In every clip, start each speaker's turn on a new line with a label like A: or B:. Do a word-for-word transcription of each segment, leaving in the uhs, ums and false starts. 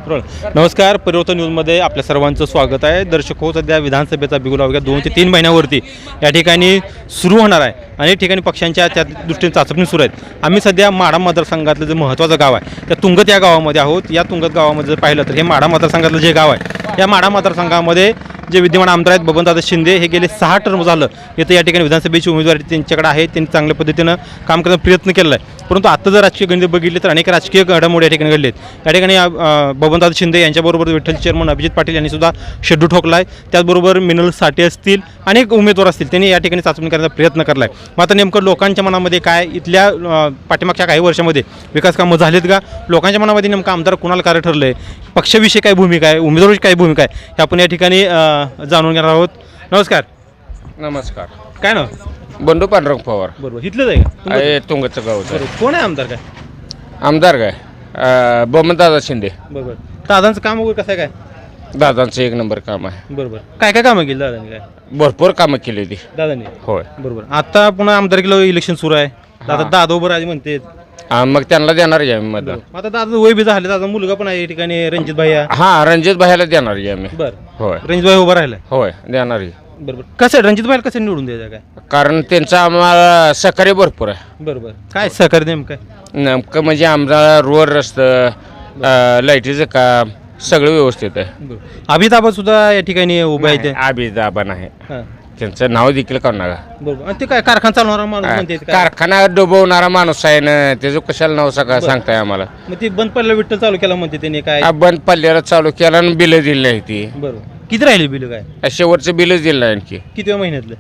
A: नमस्कार, परिवर्तन न्यूजमध्ये आपल्या सर्वांचं स्वागत आहे. दर्शक हो, सध्या विधानसभेचा बिगुल अवघ्या दोन ते तीन महिन्यावरती या ठिकाणी सुरू होणार आहे आणि या ठिकाणी पक्षांच्या त्या दृष्टीने चाचपणी सुरू आहेत. आम्ही सध्या माढा मतदारसंघातलं जे महत्त्वाचं गाव आहे त्या तुंगत या गावामध्ये आहोत. या तुंगत गावामध्ये जर पाहिलं तर हे माढा मतदारसंघातलं जे गाव आहे या माढा मतदारसंघामध्ये जे विद्यमान आमदार आहेत बबनदादा शिंदे हे गेले सहा टर्म झालं इथं या ठिकाणी विधानसभेची उमेदवारी त्यांच्याकडे आहे. त्यांनी चांगल्या पद्धतीनं काम करण्याचा प्रयत्न केला आहे. परंतु आता जर राजकीय गणित बघितले तर अनेक राजकीय घडामोडी या ठिकाणी घडलेत. या ठिकाणी बबनदादा शिंदे यांच्याबरोबर विठ्ठल चेअरमन अभिजित पाटील यांनी सुद्धा शेड्यू ठोकला आहे. त्याचबरोबर मिनल साठे असतील अनेक उमेदवार असतील त्यांनी या ठिकाणी चाचणी करण्याचा प्रयत्न करला आहे. मग आता नेमकं लोकांच्या मनामध्ये काय इथल्या पाठीमागच्या काही वर्षामध्ये विकास कामं झालेत का, लोकांच्या मनामध्ये नेमकं आमदार कुणाला कार्य ठरलं आहे, पक्षाविषयी काय भूमिका आहे, उमेदवाराची काय भूमिका आहे हे आपण या ठिकाणी जाणून घेणार आहोत. नमस्कार.
B: नमस्कार.
A: काय नाव?
B: बंडू पांडुरंग पवार.
A: बरोबर. इथलंच आहे का?
B: आहे तुंगचं गाव.
A: बरोबर. कोण आहे आमदार? काय
B: आमदार काय बबनदादा शिंदे.
A: बरोबर. दादांचं काम वगैरे कसं आहे? काय
B: दादांचं एक नंबर काम आहे.
A: बरोबर. काय काय कामं केली दादांनी? काय
B: भरपूर कामं केली ती
A: दादांनी?
B: होय.
A: बरोबर. आता पुन्हा आमदारकीला इलेक्शन सुरू आहे. दादा दादा उभं राजे म्हणते.
B: हा, मग त्यांना देणार आहे आम्ही मतदान.
A: आता दादा वय बी झाले, दादा मुलगा पण आहे या ठिकाणी रणजित भैया.
B: हा, रणजित भाईला देणार आहे आम्ही.
A: बर.
B: होय.
A: रणजित भाई उभा राहिला.
B: होय, देणार आहे.
A: बरोबर. कसं रणजित भाईला कसं निवडून द्यायचं? काय
B: कारण त्यांचं आम्हाला सहकार्य भरपूर आहे.
A: बरोबर. काय सहकार्य नेमकं?
B: नेमकं म्हणजे आम्हाला रोड रस्तं, लाईटीचं काम सगळं व्यवस्थित आहे.
A: अभिताबा सुद्धा या ठिकाणी उभा आहे.
B: अभिदाबा नाही,
A: हां.
B: त्यांचं नाव देखील काढू नका.
A: बरोबर. आणि ते काय कारखाना चालवणारा माणूस म्हणते काय?
B: कारखाना डुबवणारा माणूस आहे ना, त्याचं कशाला नाव सगळं सांगताय आम्हाला.
A: मग ते बंद पडलं विठ्ठल चालू केला म्हणते त्यांनी. काय
B: हा, बंद पल्ल्याला चालू केला आणि बिलं दिली नाही ती.
A: बरोबर. किती राहिले बिल? काय
B: शेवटचं बिलच दिलं नाही आणखी.
A: किती महिन्यातलं?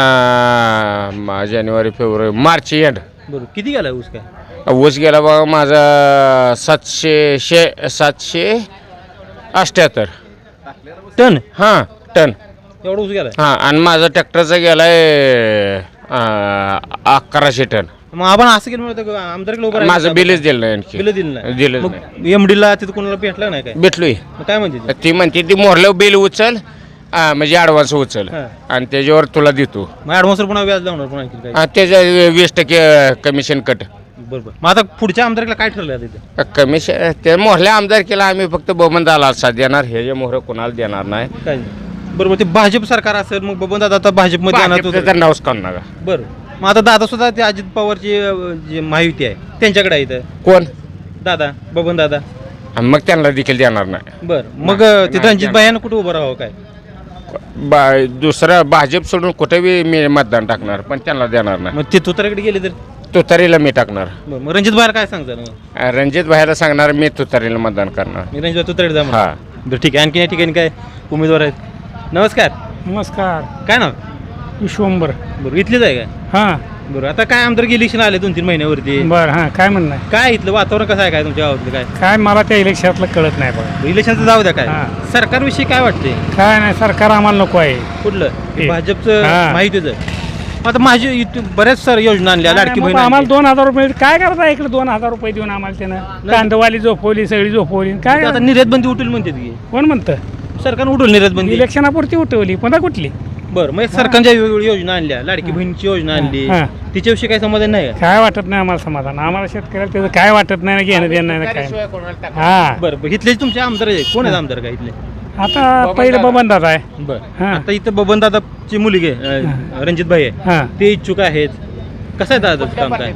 B: आ, जानेवारी फेब्रुवारी मार्च एंड.
A: बरोबर. किती गेला ऊस? काय
B: ऊस गेला बघा माझा सातशे शे सातशे अठ्ठ्याहत्तर
A: टन?
B: हां, टन.
A: एवढा ऊस गेला?
B: हां, आणि माझा ट्रॅक्टरचा गेलाय अकराशे टन.
A: मग आपण असं केलं म्हणतो आमदारकीला उभं
B: माझं बिलच दिलं नाही आणखी.
A: बिल दिलं नाही?
B: दिलं
A: मग
B: नाही.
A: एमडीला तिथं कोणाला भेटलं नाही? काय
B: भेटलोय.
A: मग काय म्हणते ते?
B: ती म्हणते ती मोरलं बिल उचल, आ, म्हणजे ॲडव्हान्स उचल
A: हां.
B: आणि त्याच्यावर तुला देतो.
A: मग ॲडव्हान्सवर पुन्हा व्याज लावणार पुन्हा आणखी काय?
B: हा, त्याच्या वीस टक्के कमिशन कट.
A: बरोबर. मग आता पुढच्या आमदारकीला काय ठरलं आहे तिथे?
B: कमिशन त्या मोहल्या आमदार केला आम्ही फक्त बबनदाला साथ देणार, हे जे मोहर कोणाला देणार नाही.
A: काय? बरोबर. ते भाजप सरकार असेल मग बबन दादा आता भाजपमध्ये येणार होतं.
B: भाजपचं नावच काढू नका.
A: बरं. मग आता दादा सुद्धा ते अजित पवारची अं, जी महायुती आहे त्यांच्याकडे आहे इथं
B: कोण?
A: दादा बबन दादा.
B: आणि मग त्यांना देखील देणार नाही.
A: बरं. मग
B: नाही,
A: ते
B: नाही,
A: रणजित भाईनं कुठं उभं राहावं? काय
B: बा दुसरं भाजप सोडून कुठे बी मी मतदान टाकणार, पण त्यांना देणार नाही.
A: मग ते तुतारीकडे गेले तर?
B: तुतारीला मी टाकणार.
A: बरं. मग रणजित भाईला काय सांगता मग?
B: रणजित भाईला सांगणार मी तुतारीला मतदान करणार.
A: मी रणजित भाई तुतारीकडे जा म्हणा.
B: हा.
A: बरं ठीक आहे. आणखी या ठिकाणी काय उमेदवार आहेत? नमस्कार.
C: नमस्कार.
A: काय नाव?
C: विश्वंबर.
A: बरं. इथलेच आहे का?
C: हां,
A: बरं. आता काय आमदार इलेक्शन आले दोन तीन महिन्यावरती.
C: बरं. हां, काय म्हणणं आहे?
A: काय इथलं वातावरण कसं आहे? काय तुमच्या गावातलं काय
C: काय मला त्या इलेक्शनातलं कळत नाही बघा.
A: इलेक्शनचं जाऊ द्या. काय
C: हां.
A: सरकारविषयी काय वाटते?
C: काय नाही, सरकार आम्हाला नको आहे.
A: कुठलं?
C: हे.
A: भाजपचं
C: हां.
A: माहितीच आहे. आता माझी इथं बऱ्याच सर योजना आणल्या लाडकी
C: मग
A: बहीण
C: आम्हाला
A: आणली.
C: दोन हजार रुपये काय करता इकडे दोन हजार रुपये देऊन आम्हाला त्यानं कांदवाली झोपवली सगळी झोपवली. काय
A: आता निर्यात बंदी उठेल म्हणते की
C: कोण म्हणतं?
A: सरकारनं उठवली निर्यात बंदी.
C: इलेक्शनापुरती उठवली, पुन्हा कुठली?
A: बरं. मग सरकारच्या वेगवेगळ्या योजना आणल्या, लाडकी बहिणीची योजना आणली,
C: हां.
A: तिच्याविषयी काही समाधान नाही का?
C: काय वाटत नाही आम्हाला समाधान. आम्हाला शेतकऱ्याला त्याचं काय वाटत नाही ना, घेणं देणं नाही ना काय. हां,
A: बरं. बरं. इथले तुमचे आमदार आहे कोण आहेत आमदार काय इथले?
C: आता पहिलं बबनदादा आहे.
A: बरं.
C: हां.
A: आता इथं बबन दादाची मुलगी आहे, अं, रणजित भाई आहे,
C: हां,
A: ते इच्छुक आहेत. कसं आहे दादा काम काय?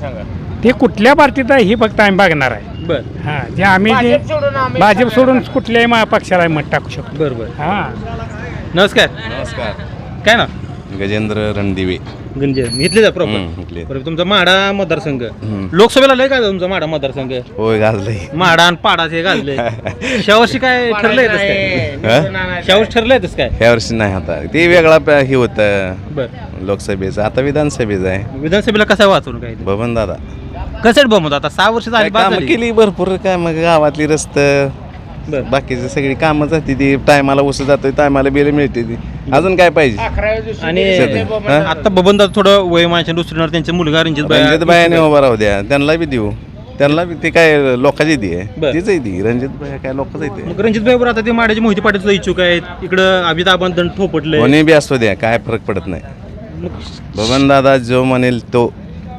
C: ते कुठल्या पार्टीत आहे ही फक्त आम्ही बघणार आहे.
A: बरं.
C: हां, जे आम्ही जे भाजप सोडून कुठल्याही मा- पक्षाला मत टाकू शकतो.
A: बरं बरं.
C: हां,
A: नमस्कार.
D: नमस्कार.
A: काय ना?
D: गजेंद्र रणदिवे.
A: गंजे इथले जा प्रॉपर.
D: हम्म, इथले.
A: बरं. तुमचा माढा मतदारसंघ
D: हम्म.
A: लोकसभेला लय काय तुमचा माढा मतदारसंघ?
D: होय गाजलंय.
A: माढा आणि पाडा हे घालले. शावर्षी काय ठरलंय तसं काय? शावर्षी ठरलंय तसं काय?
D: ह्या वर्षी नाही आता ते वेगळा प- हे होतं
A: बरं.
D: लोकसभेचं, आता विधानसभेचं आहे.
A: विधानसभेला कसा वाचून काय
D: बबन दादा
A: कसं बमत आता सहा वर्ष झाली बाद
D: कामं
A: झाली.
D: केली भरपूर, काय मग गावातली रस्तं
A: बरं.
D: बाकीची सगळी कामं जाते ती. टायमाला उस जातोय, टायमाला बिल मिळते ती. अजून काय पाहिजे?
A: आणि
D: हां?
A: आता बबन दादा थोडं वय माणसाने दुसरीणार त्यांचे मुलगा रणजित
D: रणजित बायाने उभा राहू द्या, त्यांना बी देऊ. त्यांना बी ते काय लोकांची ती आहे,
A: बरं.
D: तीच आहे ती. रणजित बाया काय लोकांच आहे
A: मग रणजित भाईवर आता ते माड्याचे मोहिते पाटील सुद्धा इच्छुक आहेत. इकडं अभिताभ दंड थोपटले.
D: कोणी बी असतो द्या, काय फरक पडत नाही. बबन दादा जो म्हणेल तो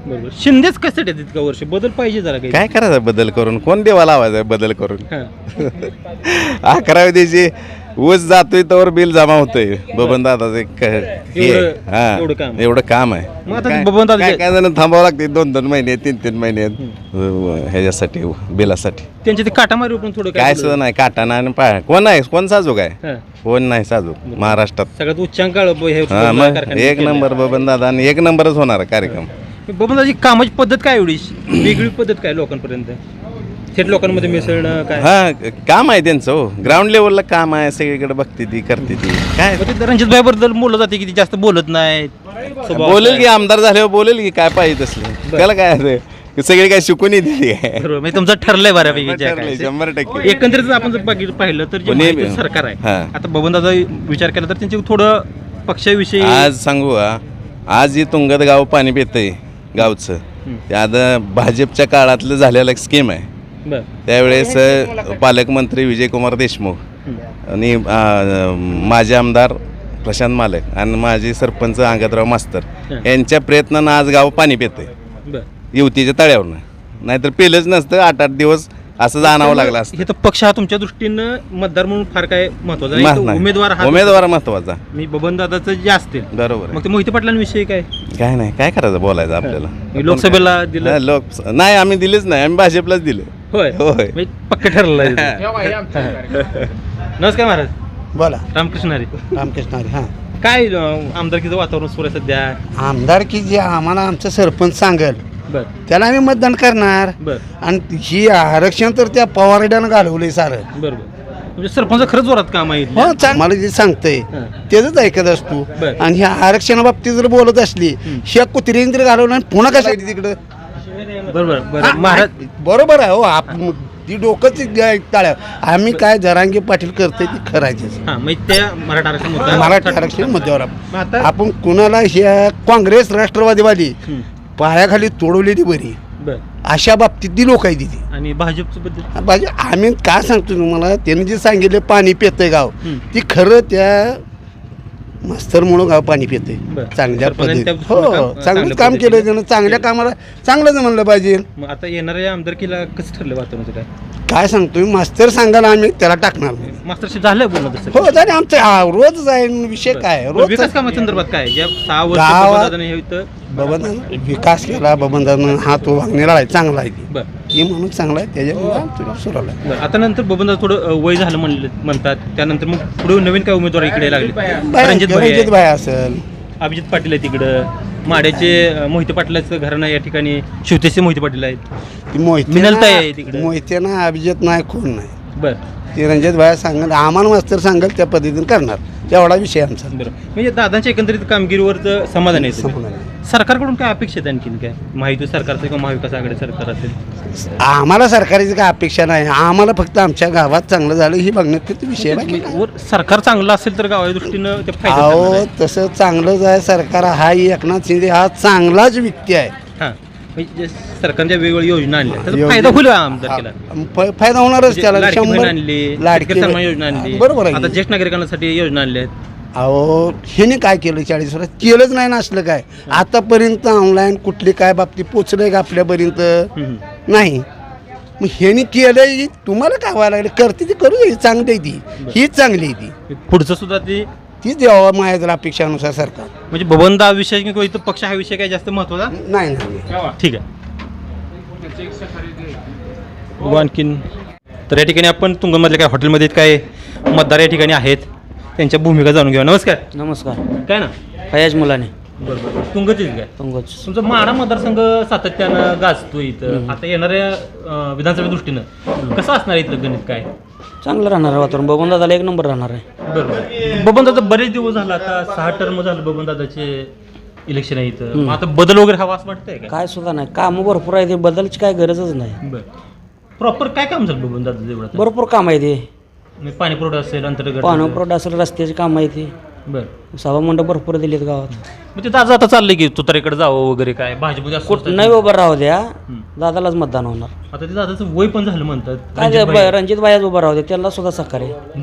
A: बरोबर. शिंदेच कसे येतात इतका वर्ष बदल पाहिजे जरा काही.
D: काय करायचं बदल करून कोण देवाला लावायचा बदल करून
A: हां.
D: अकरावी दिवशी ऊस जातोय तर बिल जमा होतोय बबन दादाचं एक हे आहे.
A: एवढं-
D: हा
A: एवढं काम.
D: एवढं काम आहे
A: मग आता
D: काय-
A: बबनदादा
D: काय
A: जे-
D: काय जण थांबावं लागते दोन दोन महिने तीन तीन महिने ह्याच्यासाठी बिलासाठी
A: त्यांच्या ते काटामारी पण थोडं
D: काय सुद्धा नाही काटाना आणि पाय कोण आहे कोण साजूक आहे
A: हां.
D: कोण नाही साजूक महाराष्ट्रात
A: सगळ्यात उच्चांक आलं ब- हे
D: हा मग
A: कारखान्यात
D: एक
A: केलं.
D: नंबर बबन दादा आणि एक नंबरच होणार कार्यक्रम.
A: बबनदाची कामाची पद्धत काय एवढी वेगळी पद्धत काय लोकांपर्यंत थेट लोकांमध्ये मिसळणं काय.
D: हा काम आहे त्यांचं हो ग्राउंड लेवलला काम आहे सगळीकडे बघते ती करते ती काय
A: मग ते रणजित भाईबद्दल बोललं जाते की ते जास्त बोलत नाही स्वभाव
D: बोलेल
A: काय.
D: की आमदार झाल्यावर बोलेल की काय पाहिजे तसलं त्याला काय आहे ते? सगळी काय शिकून येते काय
A: बरोबर म्हणजे तुमचं ठरलंय बऱ्यापैकी जे
D: ठरलंय,
A: काय ते.
D: शंभर टक्के
A: एकंदरीत आपण जर बघितलं पाहिलं तर जे
D: कोणी-
A: महायुतीचं सरकार आहे
D: हा.
A: आता बबनदादा विचार केला तर त्यांचे थोडं पक्षाविषयी
D: आज सांगू का आज जे तुंगत गाव पाणी पितंय गावचं
A: हं.
D: ते आता भाजपच्या काळातलं झालेलं एक स्कीम आहे
A: बरं.
D: त्यावेळेस अ, पालकमंत्री विजयकुमार देशमुख
A: हं.
D: आणि अ, माजी आमदार प्रशांत मालक आणि माजी सरपंच अंगदराव मास्तर
A: हं.
D: यांच्या प्रयत्नानं आज गाव पाणी पितंय
A: बरं.
D: युवतीच्या तळ्यावरनं नाहीतर पेलंच नसतं आठ आठ दिवस असं जाणावं लागलं असतं
A: हे तर पक्ष हा तुमच्या दृष्टीनं मतदार म्हणून फार काय महत्वाचा नाही.
D: मत
A: तो
D: नाही.
A: उमेदवार हा
D: उमेदवार महत्वाचा
A: मी बबनदादाचं जे असतील
D: बरोबर आहे.
A: मग ते मोहिते पाटलांविषयी काय
D: काय नाही काय करायचं बोलायचं आपल्याला
A: मी लोकसभेला दिलं
D: नाही, लोक नाही आम्ही दिलेच नाही आम्ही भाजपलाच दिलं
A: होय
D: होय.
A: म्हणजे पक्क ठरलं नमस्कार महाराज
E: बोला
A: रामकृष्ण हरी
E: रामकृष्ण हरी हां
A: काय अं, आमदारकीचं वातावरण सुरू आहे सध्या
E: आमदार की जे आम्हाला आमचं सरपंच सांगेल
A: बर
E: त्याला आम्ही मतदान करणार
A: बर
E: आणि ही आरक्षण तर त्या पवारड्यानं घालवलंय सारं
A: बर बर म्हणजे सरपंच खरंच जोरात काम आहे इथलं.
E: हो चांग मला जे सांगतंय
A: हां.
E: त्याच ऐकत असतो
A: बरं.
E: आणि ह्या आरक्षणाबाबतीत जर बोलत असली ह्या कुत्रीने जर घालवलं आणि पुन्हा कशा तिकडं
A: बरोबर बरं
E: हा,
A: महाराज
E: बरोबर आहे हो आप ती डोकंच टाळ्या आम्ही काय जरांगे पाटील करतोय ती खरायचीच
A: हा मग त्या मराठा आरक्षण मुद्दा
E: मराठी आरक्षण मुद्द्यावर
A: मग
E: आपण
A: आता
E: आपण कुणाला ह्या काँग्रेस राष्ट्रवादीवादी
A: हं.
E: पायाखाली तोडवलेली बरी
A: बर
E: अशा बाबतीत ती लोक आहे तिथे
A: आणि भाजपचं बद्दल
E: बाजी आम्ही काय सांगतो तुम्हाला त्याने जे सांगितले पाणी पितंय गाव
A: हं.
E: ती खरं त्या मास्तरमुळं गाव पाणी पितंय
A: बरं.
E: चांगल्या
A: सरपंचाने त्या
E: पद्धतीने
A: दृष्टीनं
E: हो
A: काम-
E: चांगलं
A: चांगल्या
E: काम केलं
A: पद्धतीने
E: त्यानं चांगल्या
A: केलं.
E: कामाला चांगलंच म्हणलं पाहिजे
A: मग आता येणाऱ्या आमदारकीला कसं ठरलं वातावरणाचं काय
E: काय सांगतोय मास्तर सांगायला आम्ही त्याला टाकणार नाही.
A: मास्टरशी झालं बोलणं तसं
E: हो झाले आमचं हा, रोज आहे विषय काय
A: बरं,
E: रोज
A: विकास कामासंदर्भात काय ज्या सहा वर्ष
E: गावात-
A: बबनदादाने हे इथं
E: बबन विकास केला बबनदानं हा तो वागणीला आहे चांगला आहे ती.
A: बरं
E: ही म्हणून चांगला आहे त्याच्यामुळे आमचं सुरवलं आहे.
A: बरं आता नंतर बबनदादा थोडं अ, वय झालं म्हणले म्हणतात त्यानंतर मग पुढे नवीन काय उमेदवार इकडे लागले
E: बाया-
A: रणजित भाई
E: रणजित
A: आहे,
E: भाई असेल
A: अभिजित पाटील आहे तिकडं माड्याचे अ, मोहिते पाटलाचं घराणं या ठिकाणी शिवतेचे मोहिते पाटील आहेत
E: ती मोहिते
A: मिनलताई आहे तिकडं.
E: मोहिते ना अभिजित नाही कोण नाही
A: बरं
E: ते रणजित भाई सांगेल आम्हाला मास्तर सांगेल त्या पद्धतीने करणार तेवढा विषय आमचा
A: बरं म्हणजे दादांच्या एकंदरीत कामगिरीवर तर समाधान आहे तुम्ही.
E: समाधान आहे.
A: सरकारकडून काय अपेक्षा आहेत आणखीन काय माहिती सरकारचं किंवा महाविकास आघाडी सरकार असेल
E: आम्हाला सरकारची काय अपेक्षा नाही आम्हाला फक्त आमच्या गावात चांगलं झालं ही बघण्यात विषय आहे. बाकी काय.
A: वर सरकार चांगलं असेल तर गावाच्या दृष्टीनं ते फायदा
E: अहो तसं चांगलंच आहे सरकार हा एकनाथ शिंदे हा चांगलाच व्यक्ती आहे
A: हां म्हणजे सरकारच्या वेगवेगळ्या योजना आणल्या त्याचा
E: योजना-
A: फायदा होईल आमदारकीला
E: फ- फायदा होणारच त्याला
A: लाडकी बहीण
E: शंभर
A: आणली
E: लाडकी
A: लाडकी सन्मान योजना आणली
E: बरोबर
A: आता
E: आहे
A: ज्येष्ठ नागरिकांसाठी योजना आणल्या आहेत
E: अहो ह्याने काय केलं चाळीस वर्षात केलंच नाही ना असलं काय आतापर्यंत ऑनलाईन कुठली काय बाबतीत पोचलंय का आपल्यापर्यंत
A: हम्म.
E: नाही मग ह्याने केलंय तुम्हाला काय व्हायला लागलं करते ती करू दे चांगली आहे ती हीच चांगली आहे ती
A: पुढचं सुद्धा ते
E: तीच द्यावं माझ्या अपेक्षानुसार सरकार
A: म्हणजे बबनदा विषय किंवा इथं पक्ष हा विषय काय जास्त महत्वाचा
E: नाही नाही
A: ठीक आहे बघू आणखीन तर या ठिकाणी आपण तुंगमधल्या काय हॉटेलमध्ये काय मतदार या ठिकाणी आहेत त्यांच्या भूमिका जाणून घेऊया नमस्कार
F: नमस्कार
A: काय ना
F: फयाज मुलाने
A: बरोबर तुंगच काय
F: पंकज
A: तुमचा माडा मतदारसंघ सातत्यानं गाजतो इथं आता येणाऱ्या अं, विधानसभे दृष्टीनं कसं असणार इथलं गणित काय
F: चांगलं राहणार आहे वातावरण बबन दादाला एक नंबर राहणार आहे
A: बरोबर बबनदादा बरेच दिवस झाला आता सहा टर्म झालं बबनदादाचे इलेक्शन आहे इथं मग आता बदल वगैरे हवा असं वाटतंय का
F: काय सुद्धा नाही कामं भरपूर आहे ते बदलची काय गरजच नाही
A: बरं प्रॉपर काय काम झालं बबनदादा एवढं आता?
F: भरपूर काम आहे ते
A: म्हणजे पाणी पुरवठा असेल अंतर्गत
F: पाणी पुरवठा असेल रस्त्याची कामं आहे ते
A: बरं
F: सभा मंडप भरपूर दिलेत गावात
A: मग ते दादा आता चाललंय की तुतारीकडे जावं वगैरे काय भाजपमध्ये असं
F: कुठं
A: असतं.
F: नाही उभं राहू द्या दादालाच मतदान होणार
A: आता ते दादाचं वय पण झालं म्हणतात
F: काय
A: रणजित
F: ते
A: भाई.
F: ब- रणजित बायाच उभं राहू द्या त्याला सुद्धा सहकार्य
A: बरं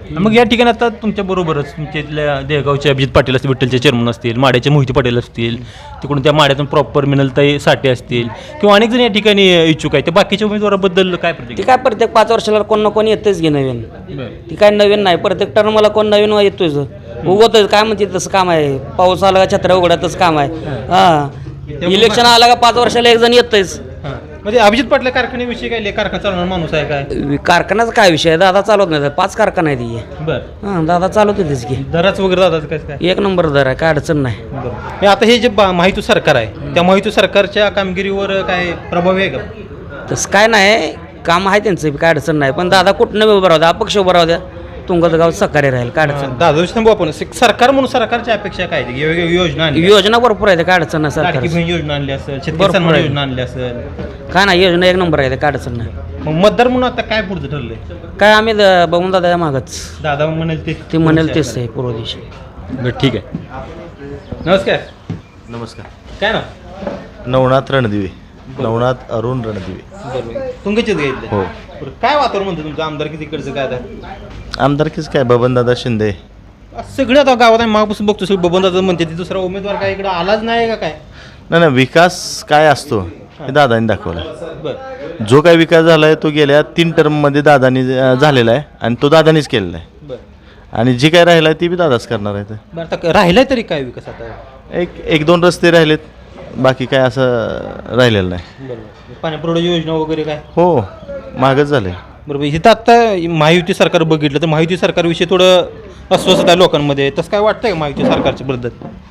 A: मग या ठिकाणी आता तुमच्या बरोबरच तुमच्या इथल्या देगावचे अभिजित पाटील असतील, विठ्ठलचे चेअरमन असतील, माड्याचे मोहिते पाटील असतील, तिकडून त्या माड्यातून प्रॉपर मिनलताई साठे असतील किंवा अनेक जण या ठिकाणी इच्छुक आहेत. त्या बाकीच्या उमेदवाराबद्दल काय
F: ती
A: प्रतिक्रिया?
F: काय प्रत्येक पाच वर्षाला कोण ना कोण येतेच घे नवीन. ती काय नवीन नाही, प्रत्येक टर्मला कोण नवीन येतोच उगवतोय. काय म्हणते तसं काम आहे, पाऊस आला का छत्र्या उघड्यातच काम आहे. हां, इलेक्शन आला का पाच वर्षाला एक जण येतच.
A: हां, म्हणजे अभिजित पाटील कारखान्याविषयी काय कारखाना चालवणार माणूस आहे काय?
F: कारखान्याचा काय विषय आहे, दादा चालवत नाही. पाच कारखाना आहे ती.
A: बरं,
F: हां, दादा चालवते तेच की.
A: दराच वगैरे दादाचं कसं काय?
F: एक नंबर दर आहे, काय अडचण नाही.
A: बरं. आता हे जे बा- महायुती सरकार आहे त्या महायुती सरकारच्या कामगिरीवर काय प्रभाव आहे का?
F: तसं काय नाही, काम आहे त्यांचं, काय अडचण नाही. पण दादा कुठनं उभं राहू द्या, अपक्ष उभं राहू द्या, तुंगत गाव सहकार्य राहील, काय अडचण नाही.
A: दादा थांबू आपण सरकार म्हणून सरकारच्या अपेक्षा काय आहेत? वेगवेगळ्या योजना आणल्या,
F: योजना भरपूर आहे, काय अडचण नाही.
A: लाडकी
F: सरकार
A: बहीण योजना आणली असेल, शेतकरी
F: भरपूर
A: सन्मान
F: आहे.
A: योजना आणली असेल.
F: काय नाही, योजना एक नंबर आहे, काय अडचण नाही.
A: मग मतदार म्हणून आता काय पुढचं ठरलंय?
F: काय आम्ही द- बघून दादा या मागच
A: दादा म्हणेल ते
F: ते म्हणेल तेच आहे पूर्व दिशा.
A: बरं, ठीक आहे. नमस्कार.
D: नमस्कार.
A: काय ना
D: नवनाथ रणदिवे, नवनाथ अरुण रणदिवे.
A: बरोबर तुमच्याच घ्यायचं.
D: हो.
A: बरं, काय वातावरण म्हणतं तुमचं आमदार किती इकडचं काय आता?
D: आमदारकीच काय बबनदादा शिंदे.
A: सगळं आता गावात आहे, मागपासून बघतो सगळं बबनदादा म्हणते ते दुसरा उमेदवार काय इकडे आलाच नाही का काय?
D: नाही नाही, विकास काय असतो हे दादांनी दाखवला.
A: बरं
D: जो काय विकास झाला आहे तो गेल्या तीन टर्ममध्ये दादानी अं, झालेला आहे आणि तो दादानीच केलेला आहे.
A: बरं
D: आणि जी काय राहिलं आहे ती बी दादाच करणार आहे.
A: बरं आता राहिलाय तरी काय विकास आता?
D: एक एक दोन रस्ते राहिलेत, बाकी काय असं राहिलेलं नाही.
A: बरोबर पाण्यापुरवठा योजना वगैरे काय?
D: हो, मागच झालं आहे.
A: बरोबर इथं आत्ता महायुती सरकार बघितलं तर महायुती सरकारविषयी थोडं अस्वस्थता आहे लोकांमध्ये. तसं काय वाटतंय का महायुती सरकारच्या बद्दल?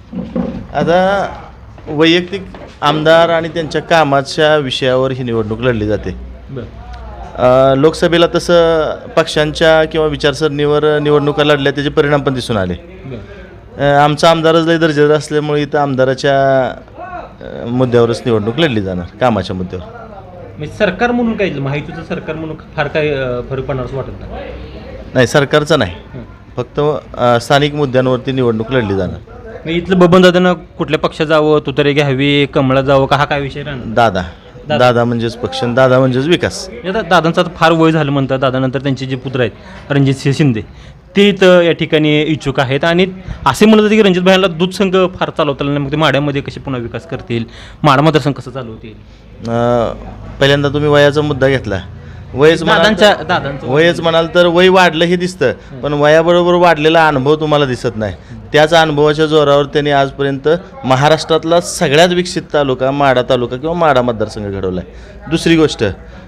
D: आता वैयक्तिक आमदार आणि त्यांच्या कामाच्या विषयावर ही निवडणूक लढली जाते.
A: बरं
D: अ, लोकसभेला तसं पक्षांच्या किंवा विचारसरणीवर निवडणुका लढल्या त्याचे परिणाम पण दिसून आले.
A: बरं
D: अ, आमचा आमदारच लय दर्जेदार असल्यामुळे इथं आमदाराच्या अ, मुद्द्यावरच निवडणूक लढली जाणार, कामाच्या मुद्द्यावर.
A: म्हणजे सरकार म्हणून काय महायुतीचं सरकार म्हणून फार काय अं, फरक पडणार असं वाटत नाही.
D: नाही, सरकारचं नाही,
A: हं.
D: फक्त अ, स्थानिक मुद्द्यांवरती निवडणूक लढली जाणार.
A: मग इथलं बबनदादानं कुठल्या पक्षात जावं, तुतारी घ्यावी, कमळा जावं का, हा काय विषय राहणार?
D: दादा
A: दादा.
D: दादा म्हणजेच पक्ष आणि दादा म्हणजेच विकास.
A: आता दादांचं आता फार वय झालं म्हणतात. दादानंतर त्यांचे जे पुत्र आहेत रणजित सिंह शिंदे ते इथं या ठिकाणी इच्छुक आहेत आणि असे म्हणत होते की रणजित भाईला दूध संघ फार चालवता आला नाही, मग ते माड्यामध्ये कसे पुन्हा विकास करतील, माडा मतदारसंघ कसं चालवतील?
D: अ, पहिल्यांदा तुम्ही वयाचा मुद्दा घेतला. वयच म्हणाल
A: दादांच्या
D: तर-
A: दादांचं
D: वयच म्हणाल तर वय वाढलं हे दिसतं, पण वयाबरोबर वाढलेला अनुभव तुम्हाला दिसत नाही. त्याच अनुभवाच्या जोरावर त्यांनी आजपर्यंत महाराष्ट्रातला सगळ्यात विकसित तालुका माडा तालुका किंवा माडा मतदारसंघ घडवला आहे. दुसरी गोष्ट,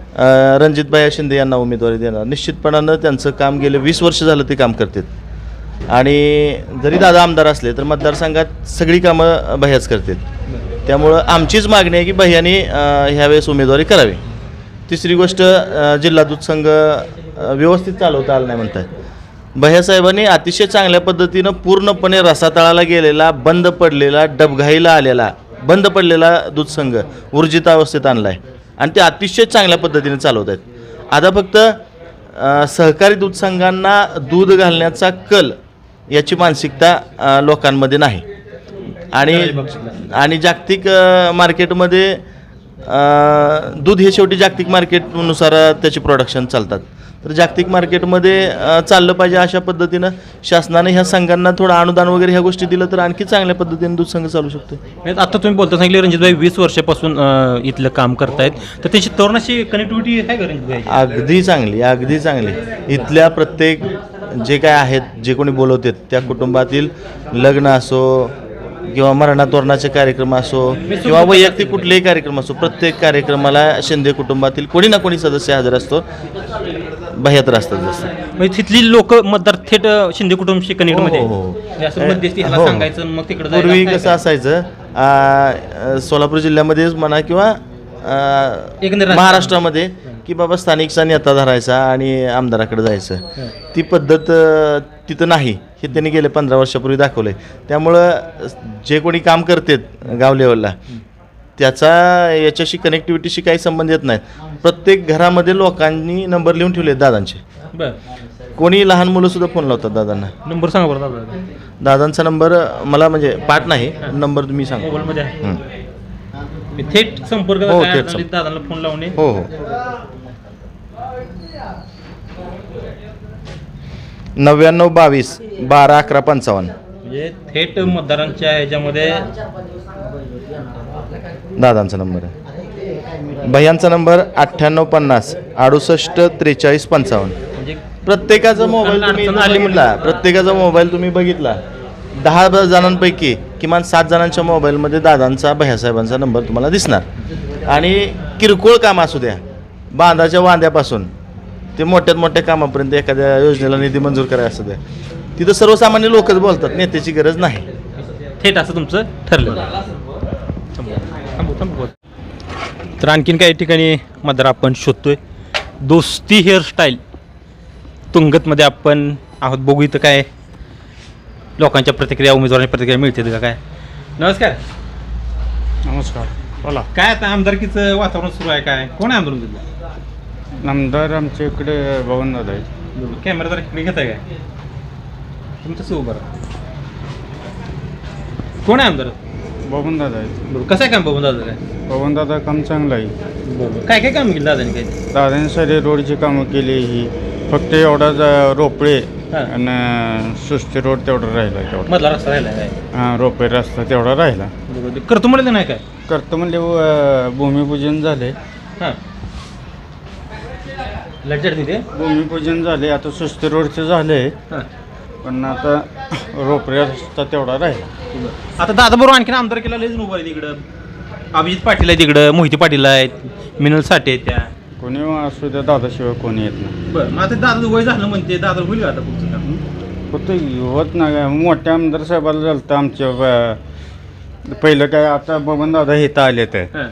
D: रणजितभाई शिंदे यांना उमेदवारी देणार. निश्चितपणानं त्यांचं काम गेले वीस वर्ष झालं ते काम करतात आणि जरी दादा आमदार असले तर मतदारसंघात सगळी कामं भैयाच करतात. त्यामुळं आमचीच मागणी आहे की भैयानी ह्यावेळेस उमेदवारी करावी. तिसरी गोष्ट, अ, जिल्हा दूध संघ अ, व्यवस्थित चालवता आला नाही म्हणतात. भैयासाहेबांनी अतिशय चांगल्या पद्धतीनं पूर्णपणे रसातळाला गेलेला, बंद पडलेला, डबघाईला आलेला, बंद पडलेला दूध संघ ऊर्जित अवस्थेत आणला आहे आणि ते अतिशय चांगल्या पद्धतीने चालवत आहेत. आता फक्त अ, सहकारी दूध संघांना दूध घालण्याचा कल याची मानसिकता अ, लोकांमध्ये नाही आणि आणि जागतिक अ, मार्केटमध्ये अ, दूध हे शेवटी जागतिक मार्केटनुसार त्याची प्रोडक्शन चालतात. तर जागतिक मार्केटमध्ये अ, चाललं पाहिजे अशा पद्धतीनं शासनाने ह्या संघांना थोडं अनुदान वगैरे ह्या गोष्टी दिलं तर आणखी चांगल्या पद्धतीने दूध संघ चालू शकतो.
A: म्हणजे आता तुम्ही बोलता सांगितले रणजितभाई वीस वर्षापासून अं, इथलं काम करतायत, तर त्यांची तरुणाशी कनेक्टिव्हिटी आहे का रणजितभाई?
D: अगदी चांगली, अगदी चांगली. इथल्या प्रत्येक जे काय आहेत, जे कोणी बोलवतात त्या कुटुंबातील लग्न असो किंवा मरणातोरणाचे कार्यक्रम असो किंवा वैयक्तिक कुठलेही कार्यक्रम असो, प्रत्येक कार्यक्रमाला शिंदे कुटुंबातील कोणी ना कोणी सदस्य हजर असतो. भैयात असतात जसं.
A: म्हणजे तिथली लोक मतदार थेट अं, शिंदे कुटुंबशी कनेक्टमध्ये
D: हो, हो, हो.
A: म्हणजे असं मध्यस्थी ह्याला
D: हो.
A: सांगायचं मग तिकडे
D: पूर्वी कसं असायचं, आ, सोलापूर जिल्ह्यामध्येच म्हणा किंवा आ,
A: एकंदरीत
D: महाराष्ट्रामध्ये की बाबा स्थानिकचा नेता धरायचा आणि आमदाराकडे जायचं, ती पद्धत अ, तिथं नाही. हे त्यांनी गेले पंधरा वर्षापूर्वी दाखवलं आहे. त्यामुळं जे कोणी काम करतात गाव लेवलला त्याचा याच्याशी कनेक्टिव्हिटीशी काही संबंध येत नाहीत. प्रत्येक घरामध्ये लोकांनी नंबर लिहून ठेवले आहेत दादांचे.
A: बरं
D: कोणी लहान मुलंसुद्धा फोन लावतात दादांना.
A: नंबर सांगा बरं दादा.
D: दादांचा नंबर मला म्हणजे पाठ नाही, नंबर तुम्ही सांगा.
A: मोबाईलमध्ये आहे
D: हं.
A: थेट संपर्क
D: हो,
A: काय
D: थेट
A: अडचण आली
D: संपर्क.
A: दादाला फोन लावणे.
D: हो हो नव्याण्णव बावीस बारा अकरा पंचावन्न.
A: म्हणजे थेट मतदारांच्या ह्याच्यामध्ये
D: दादांचा नंबर आहे. भैयांचा नंबर अठ्ठ्याण्णव पन्नास अडुसष्ट त्रेचाळीस पंचावन्न.
A: म्हणजे
D: प्रत्येकाचा मोबाईल तुम्ही
A: अडचण आली
D: बघितला प्रत्येकाचा मोबाईल तुम्ही बघितला दहा जणांपैकी किमान सात जणांच्या मोबाईलमध्ये दादांचा भैयासाहेबांचा नंबर तुम्हाला दिसणार. आणि किरकोळ काम असू द्या, बांधाच्या वांद्यापासून ते मोठ्यात मोठ्या कामापर्यंत, एखाद्या योजनेला निधी मंजूर करायला असू द्या, तिथं सर्वसामान्य लोकच बोलतात, नेत्याची गरज नाही.
A: थेट असं तुमचं ठरलेलं आहे. थांबू, थांबू. तर आणखीन काही ठिकाणी मतदार आपण शोधतोय. दोस्ती हेअरस्टाईल तुंगतमध्ये आपण आहोत. बघू इथं काय लोकांच्या प्रतिक्रिया, उमेदवारांच्या प्रतिक्रिया मिळतील का काय. नमस्कार.
G: नमस्कार, बोला.
A: काय आता आमदारकीचं वातावरण सुरू आहे, काय कोण आहे आमदार तिथलं?
G: आमदार आमच्या इकडे भवन दादा आहेत.
A: कॅमेरा जर इकडे घेत आहे काय तुमचं सु बरं कोण आहे आमदार?
G: भवन दादा आहेत.
A: बरोबर. कसं आहे काम बघून दादा काय?
G: भवन दादा काम चांगलं आहे.
A: काय काय काम केलं दादाने काय?
G: दादाने सारे रोडची कामं केली. ही फक्त एवढाच अं, रोपळे
A: हां.
G: आणि सुस्ती रोड तेवढा राहिला तेवढा.
A: मधला रस्ता राहिला काय?
G: हां, रोपे रस्ता तेवढा राहिला.
A: बरोबर. करतो म्हणलं नाही काय?
G: करतो म्हणजे अं, भूमिपूजन झाले.
A: हां लज्जत तिथे.
G: भूमिपूजन झाले, आता सुस्ती रोडचे झाले,
A: हां.
G: पण आता रोपे रस्ता तेवढा राहिला.
A: आता दादा बरोबर आणखीन आमदार केला लयच उभं आहे तिकडं. अभिजित पाटील आहे तिकडं, मोहिते पाटील आहेत, मिनल साठे आहेत त्या.
G: कोणी असू द्या, दादाशिवाय कोणी येत नाही.
A: बरं मग आता दादा वय झालं म्हणते, दादा होईल का आता पुढचं काम?
G: फक्त होत नाही. मोठ्या आमदार साहेबाला झालं तर आमच्या ब- पहिलं काय, आता बबन दादा हे तर आले तर
A: हां.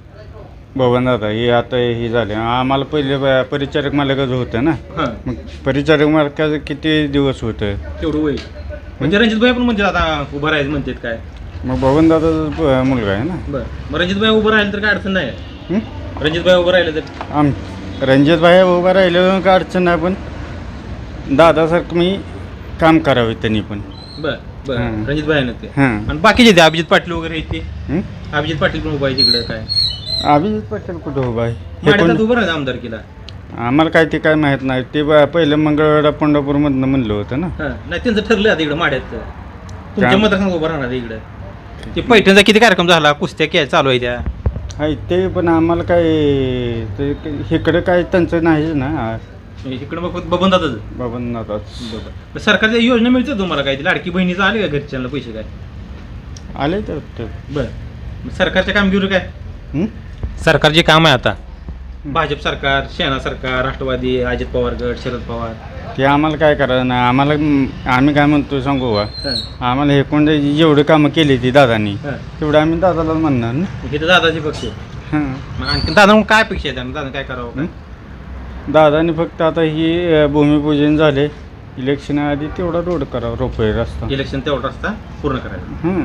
G: बबन दादा हे आता हे झाले. आम्हाला पहिले ब- परिचारक मालकच होतं ना.
A: हां
G: मग परिचारक मालकाचं किती दिवस होतं.
A: तेवढं वय म्हणजे रणजित भाई पण म्हणतात आता उभं राहायचं म्हणतात काय?
G: मग बबन दादाचा मुलगा आहे ना.
A: बरं मग रणजित भाई उभं राहिलं तर काय अडचण नाही.
G: हं?
A: रणजित भाई उभं राहिलं तर
G: आम रणजित भाई उभा राहिलं काय अडचण नाही, पण दादासारखं मी काम करावे त्यांनी पण.
A: बरं बरं
G: हां.
A: रणजित भाई ते
G: हां.
A: आणि बाकीचे ते अभिजित पाटील वगैरे आहेत ते.
G: हं?
A: अभिजित पाटील पण उभा आहे तिकडं काय?
G: अभिजित पटेल कुठं उभा आहे हे
A: माड्यात
G: कोण?
A: उभं राहायचं आमदारकीला.
G: आम्हाला काय ते काय माहीत नाही. ते ब- पहिलं मंगळवेढा पंढरपूरमधनं म्हणलं होतं ना.
A: हां नाही त्यांचं ठरलं आता इकडं माड्यात तुमच्या
G: काय?
A: मतदारसंघ उभं राहणार इकडं. ते पैठणचा किती कार्यक्रम झाला, कुस्त्या काय चालू आहे त्या.
G: आहे ते, पण आम्हाला काय ते इकडे काय त्यांचं नाहीच ना.
A: इकडं मग बबन दादाच.
G: बाबा आताच
A: बरं सरकारच्या योजना मिळतात तुम्हाला काय? ती लाडकी बहिणीचं आले का घरच्यांना पैसे काय?
G: आले तर ते.
A: बरं मग सरकारच्या कामगिरी काय?
G: हं?
A: सरकारचे काम आहे आता भाजप सरकार, सेना सरकार, राष्ट्रवादी, अजित पवार गट, शरद पवार.
G: ते आम्हाला काय करायचं नाही. आम्हाला आम्ही काय म्हणतो सांगू का,
A: हां.
G: आम्हाला हे कोण जेवढं कामं केली ती दादानी
A: हां.
G: तेवढं आम्ही दादाला म्हणणार ना.
A: मग इथं दादाचे पक्ष.
G: हां.
A: मग आणखी दादा मग काय अपेक्षा आहे त्यांना? दादा काय करावं काय?
G: हं? दादानी फक्त आता ही अ, भूमिपूजन झाले, इलेक्शन आधी तेवढा रोड करावा, रोपवे रस्ता.
A: इलेक्शन तेवढा रस्ता पूर्ण करायचा.
G: हं.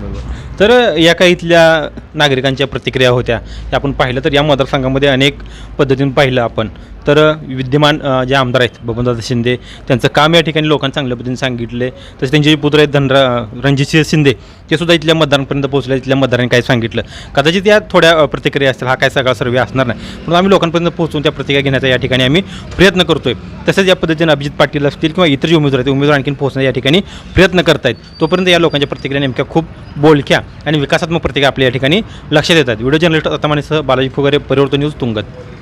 A: तर या काही इथल्या नागरिकांच्या प्रतिक्रिया होत्या त्या आपण पाहिलं तर या मतदारसंघामध्ये अनेक पद्धतीने पाहिलं आपण तर विद्यमान अ, जे आमदार आहेत बबनदादा शिंदे त्यांचं काम या ठिकाणी लोकांना चांगल्या पद्धतीने सांगितले. तसे त्यांचे जे पुत्र आहेत धनरा रणजितसिंह शिंदे ते सुद्धा इथल्या मतदारांपर्यंत पोहोचले. इथल्या मतदारांनी काय सांगितलं कदाचित या थोड्या अ, प्रतिक्रिया असतील. हा काय सगळा सर्वे असणार नाही, म्हणून आम्ही लोकांपर्यंत पोहोचून त्या प्रतिक्रिया घेण्याचा या ठिकाणी आम्ही प्रयत्न करतोय. तसेच या पद्धतीने अभिजित पाटील असतील किंवा इतर जे उमेदवार आहेत उमेदवार आणखीन पोहोचण्याचा या ठिकाणी प्रयत्न करतायत. तोपर्यंत या लोकांच्या प्रतिक्रिया नेमक्या खूप बोलक्या आणि विकासात्मक प्रतिक्रिया आपल्या या ठिकाणी लक्षात येतात. व्हिडिओ जर्नलिस्ट अतमानेसह बालाजी फुगारे, परिवर्तन न्यूज, तुंगत.